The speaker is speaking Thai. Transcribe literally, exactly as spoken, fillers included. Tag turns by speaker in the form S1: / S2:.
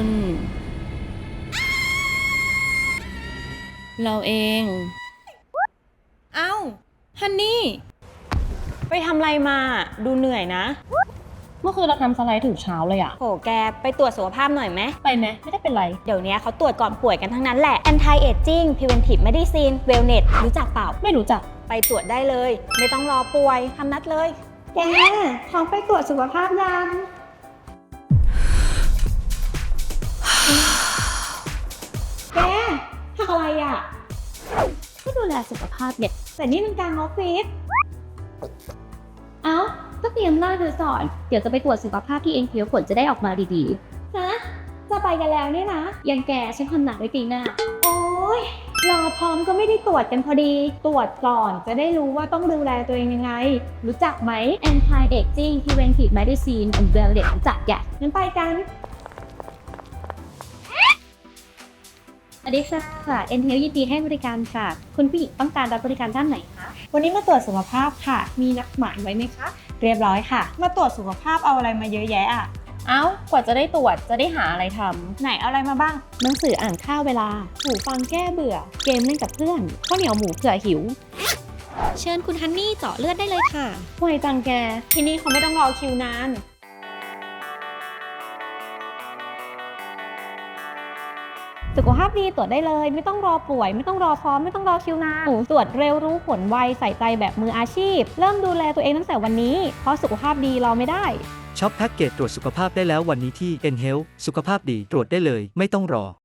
S1: เราเอง เอ้า ฮันนี่
S2: ไปทำอะไรมาดูเหนื่อยนะ
S1: เมื่อคืนเราทำสไลด์ถึงเช้าเลยอะ
S2: โหแกไปตรวจสุขภาพหน่อยไหม
S1: ไปไหมไม่ได้เป็นไร
S2: เดี๋ยวนี้เขาตรวจก่อนป่วยกันทั้งนั้นแหละ Anti Aging Preventive Medicine Wellness รู้จักเปล่า
S1: ไม่รู้จัก
S2: ไปตรวจได้เลย ไม่ต้องรอป่วยทำนัดเลย แกพร้อมไปตรวจสุขภาพยังแกทำอะไรอ่ะ
S1: ก็ดูแลสุขภาพเนี่ย
S2: แต่นี่มันกลางออฟฟิศ
S1: เอ้า ก็เตรียมหน้าเธอสอน เดี๋ยวจะไปตรวจสุขภาพที่เอ็นคิวผลจะได้ออกมาดี
S2: ฮะ จะไปกันแล้วเนี่ยนะ
S1: ๆ ยังแกฉันทำหนักไว้ปีหน้า
S2: โอ๊ย รอพร้อมก็ไม่ได้ตรวจกันพอดี ตรวจก่อนจะได้รู้ว่าต้องดูแลตัวเองยังไง รู้จักไหม
S1: Anti Aging Preventive Medicine and Wellness รู้จักแก
S2: งั้นไปกัน
S1: สวัสดีค่ะ เอ็น Health ยินดีให้บริการค่ะ คุณผู้หญิงต้องการรับบริการด้านไหนคะ
S2: วันนี้มาตรวจสุขภาพค่ะ มีนัดหมายไว้ไหมคะ เรียบร้อยค่ะ มาตรวจสุขภาพเอาอะไรมาเยอะแยะอ่ะ
S1: เอ้า กว่าจะได้ตรวจจะได้หาอะไรท
S2: ไหนเอาอะไรมาบ้าง
S1: ำหนังสืออ่านข้าวเวลา หูฟังแก้เบื่อ เกมเล่นกับเพื่อน ข้าวเหนียวหมูเผื่อหิว
S3: เชิญคุณฮันนี่เจาะเลือดได้เลยค่ะ
S1: ไวจังแก
S2: ที่นี่เขาไม่ต้องรอคิวนาน
S1: สุขภาพดีตรวจได้เลย ไม่ต้องรอป่วย ไม่ต้องรอพร้อมไม่ต้องรอคิวนานตรวจเร็วรู้ผลไวใส่ใจแบบมืออาชีพ เริ่มดูแลตัวเองตั้งแต่วันนี้ เพราะสุขภาพดีรอไม่ได้
S4: ช็อปแพ็กเกจตรวจสุขภาพได้แล้ววันนี้ที่ N Health สุขภาพดีตรวจได้เลยไม่ต้องรอ